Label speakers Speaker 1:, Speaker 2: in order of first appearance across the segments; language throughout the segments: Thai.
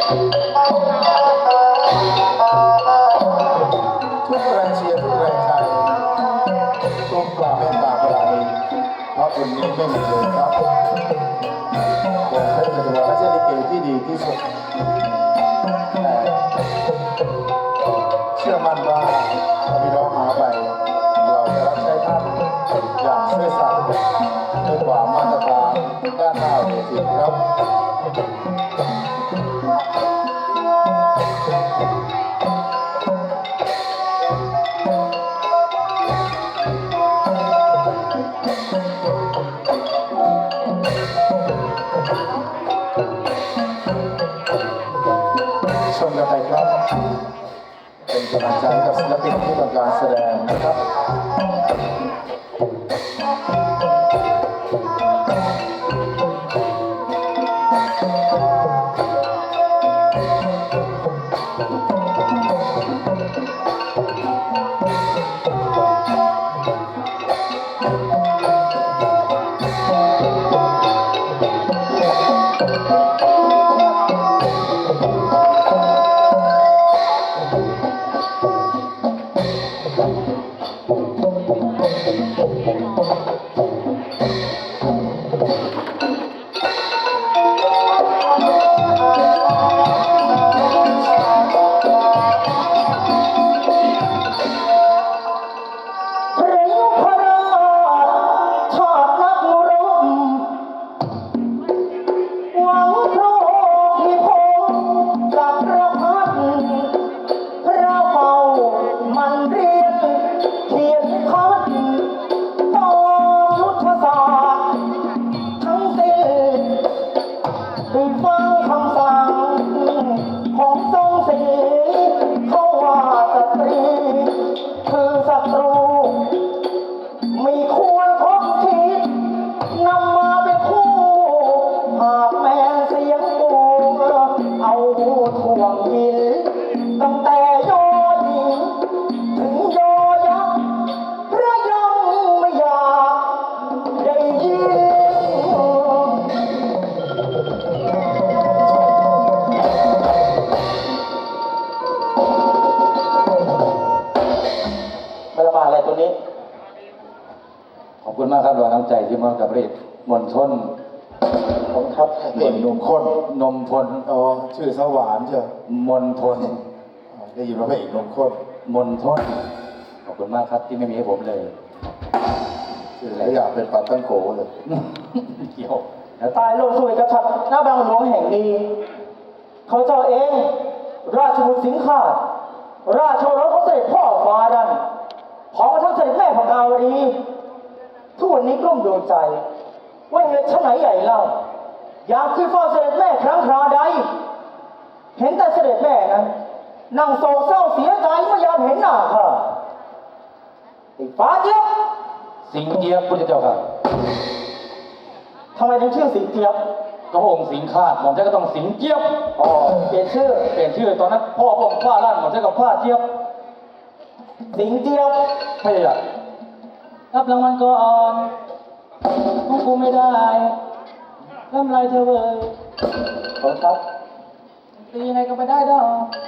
Speaker 1: ทุกแรงเชียร์ทุกแรงใจทุกความเมตตาปราณีเพราะคนนี้ไม่มีเลยครับวงเพชรเป็นจังหวะและเช่นลิเกที่ดีที่สุดแต่เชื่อมั่นว่าพี่น้องหาไปเราจะรับใช้ท่านอย่างซื่อสัตย์ด้วยความมาตรฐานด้านหน้าเวทีครับชมกันไปครับเป็นกำลังใจกับศิลปินที่ต้องการแสดงนะครับ
Speaker 2: ขอบคุณมากครับหลวงน้ำใจที่มอบกับเรศมนทน
Speaker 1: ผมครับเอกหนุ่มข้น
Speaker 2: นมพล
Speaker 1: อ๋อชื่อสวานเชียว
Speaker 2: มนทน
Speaker 1: ได้ยินว่าพระเอกหนุ่มข้น
Speaker 2: มนทนขอบคุณมากครับที่ไม่มีให้ผมเลย
Speaker 1: ชื่ออะไรอยากเป็นปัตตังโกเลย
Speaker 2: เกี่ยว
Speaker 3: ตายลงสวยกระชับหน้าบางหลวงแห่งนี้เขาเจ้าเองราชบุตรสิงห์ขาดราชโอรสของเสด็จพ่อฟ้าดันพร้อมกับทั้งเสด็จแม่พกาวดีทุกวันนี้กลุ้มดวงใจว่าเหตุไฉนใหญ่เล่าอยากขึ้นเฝ้าเสด็จแม่ครั้งคราใดเห็นแต่เสด็จแม่นั้นนั่งโศกเศร้าเสียใจเมื่อยามเห็นหน้าค่ะไอ้ฟ้าเจี๊ยบ
Speaker 2: สิงเจี๊ยบพุทธเจ้าค่ะ
Speaker 3: ทำไมถึงชื่อสิงเจี๊ยบ
Speaker 2: ก็พระองค์สิงห์ขาดผมจะก็ต้องสิงเจี๊ยบ
Speaker 3: อ๋อเปลี่ยนชื่อ
Speaker 2: ตอนนั้นพ่อพระองค์ฟ้าลั่นผมจะกับฟ้าเจี๊ยบ
Speaker 3: สิงเจี๊ยบ
Speaker 2: ไม่ได้รับรางวัลก่อนพวกกูไม่ได้ทำไรเธอเว้ย
Speaker 3: ขอครับ
Speaker 2: ตียังไงก็ไม่ได้ดอก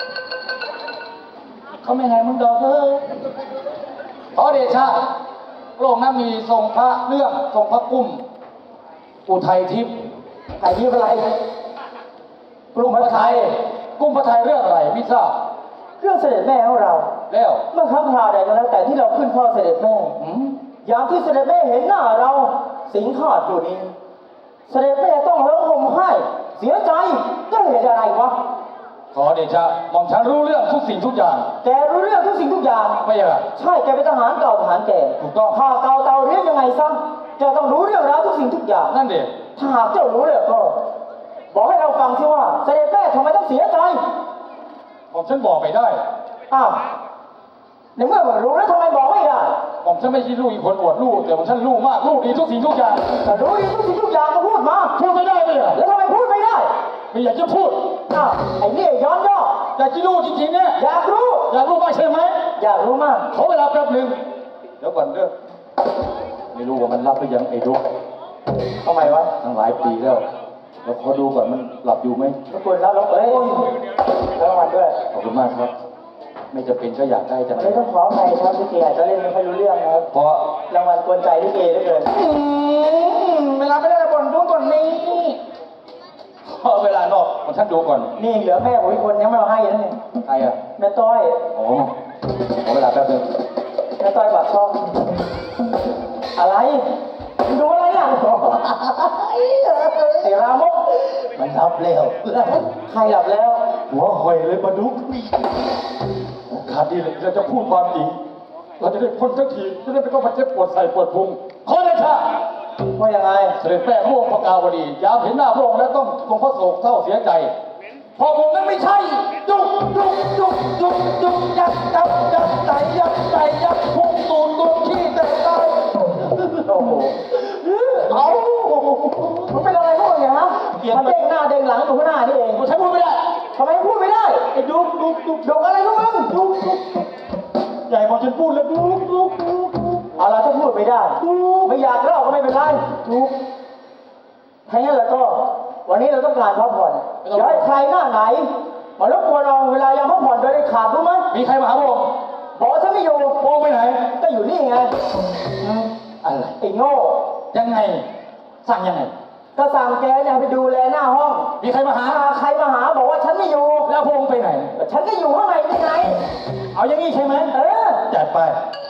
Speaker 2: เขาไม่ให้มึงดอกเลยขอเดชะโลกนั้นมีทรงพระเรื่องทรงพระกุ้มอุทัยทิพย์
Speaker 3: ไอ้ทิพย์อะไร
Speaker 2: กุ้มพระไทยกุ้มพระไทยเรื่องอะไรไม่ทราบ
Speaker 3: เรื่องเสด็จแม่ของเรา
Speaker 2: แล้ว
Speaker 3: เมื่อครั้งคราวใดก็แล้วแต่ที่เราขึ้นพ่อเสด็จแม่ยามที่เสด็จแม่เห็นหน้าเราสิงห์ขาดอยู่นี้เสด็จแม่ต้องร้องห่มไห้เสียใจก็เหตุอะไรวะ
Speaker 2: ขอเดชะหม่อมฉันรู้เรื่องทุกสิ่งทุกอย่าง
Speaker 3: แกรู้เรื่องทุกสิ่งทุกอย่าง
Speaker 2: ไม่ใช่
Speaker 3: ใช่แกเป็นทหารเก่าทหารแก่
Speaker 2: ถูกต้อง
Speaker 3: ข้าเก่าเตาเรียนยังไงซะแกต้องรู้เรื่องราวทุกสิ่งทุกอย่าง
Speaker 2: นั่นเด็ก
Speaker 3: ถ้าหากเจ้ารู้เลยก็บอกให้เราฟังสิว่าเสด็จแม่ทำไมต้องเสียใจ
Speaker 2: ผมฉันบอกไม่ได้
Speaker 3: อ้าวในเมื่อมันรู้แล้วทำไมบอกไม่ได้
Speaker 2: ผมฉันไม่ใช่ลูกอีกคนอวดลูกแต่ผมฉันลูกมากลูกดีทุกสิ่งทุกอย่าง
Speaker 3: แต่รู้ดีทุกสิ่งทุกอย่างก็พูดมา
Speaker 2: พูดไม่ได้เลย
Speaker 3: แล้วทำไมพูดไม่ได้
Speaker 2: ไม่อยากจะพูด
Speaker 3: อ้าวไอ้นี่ย้อนย่อ
Speaker 2: อยากจะรู้จริงๆเนี่ย
Speaker 3: อยากรู้
Speaker 2: มากใช่ไหม
Speaker 3: อยากรู้มาก
Speaker 2: ขอเวลาแป๊บนึงเดี๋ยวก่อนเด้อไม่รู้ว่ามันรับหรือยังไอ้ดุ๊ก
Speaker 3: ทำไมวะ
Speaker 2: ตั้งหลายปีแล้วเราขอดูก่อนมันหลับอยู่ไหม
Speaker 3: รบกวนรับรางวัลรับรางวัลด้วย
Speaker 2: ขอบคุณมากครับ ไม่จะเป็นก็อยากได้จังเล
Speaker 3: ไม่
Speaker 2: ย
Speaker 3: ต้องขออภัยครับพี่เกอาจจะเล่นไม่ค่อยรู้เรื่องนะครับ
Speaker 2: เพราะ
Speaker 3: รางวัลกวนใจพี่เกเหลือเกิน
Speaker 2: เวลาไม่ได้บ่นดูก่อนนี้พอเวลานอกผมท่านดูก่อน
Speaker 3: นี่เหลือแม่ผมอีกคนยังไม่มาให้นั่นเอง
Speaker 2: ใครอ่ะ
Speaker 3: แม่ต้อย
Speaker 2: อ๋อขอเวลาแป๊บนึง
Speaker 3: แม่ต้อยปากช่องอะไรมึงดูอะไรอ่ะไอ้รามก
Speaker 2: มันรับแล้ว
Speaker 3: ใครหลับแล้ว
Speaker 2: หัวหอยเลยมาดุกโอกาสดีเลยเราจะพูดความจริง เราจะได้พ้นสักทีจะได้ไม่ต้องมาเจ็บปวดใส่ปวดพุงขอเลยค่ะ
Speaker 3: ว่ายังไง
Speaker 2: เสด็จแม่พระองค์พระกาวดียามเห็นหน้าพระองค์แล้วต้องทรงพระโศกเศร้าเสียใจเพราะองค์นั้นไม่ใช่จุกยัดยัดพุ่งตูนขี้แต่ตาย
Speaker 3: โอ้โห
Speaker 2: เอา
Speaker 3: มันเป็นอะไรพวกเนี่ยฮะมันเด้งหน้าเด้งหลังอยู่ข้างหน้านี่เอง
Speaker 2: ใช้พูดไม่ได้
Speaker 3: ทำไมพูดไม่ได้ไอ้ดุกอะไรพวกมึงดุก
Speaker 2: ใหญ่พอฉันพูดแล้วดุก
Speaker 3: เอาละถ้าพูดไม่ได้ไม่อยากเล่าก็ไม่เป็นไรดุกถ้างั้นแล้วก็ วันนี้เราต้องการพักผ่อนอย่าให้ใครหน้าไหนมารบกวนเราเวลายามพักผ่อนโดยเด็ดขาดรู้ไหม
Speaker 2: มีใครมาหาพระองค์
Speaker 3: บอกว่าฉันไม่อยู่
Speaker 2: พระองค์ไปไหน
Speaker 3: ก็อยู่นี่ไง
Speaker 2: อะไร
Speaker 3: ไอ้โง่
Speaker 2: ยังไงสั่งยังไง
Speaker 3: ก็สั่งแกเนี่ยไปดูแลหน้าห้อง
Speaker 2: มีใครมาหา
Speaker 3: ใครมาหาบอกว่าฉันไม่อยู่
Speaker 2: แล้วพระองค์ไปไหน
Speaker 3: ฉันก็อยู่ข้างในนี่ไง
Speaker 2: เอาอย่างนี้ใช่ไหม
Speaker 3: เออ
Speaker 2: จัดไป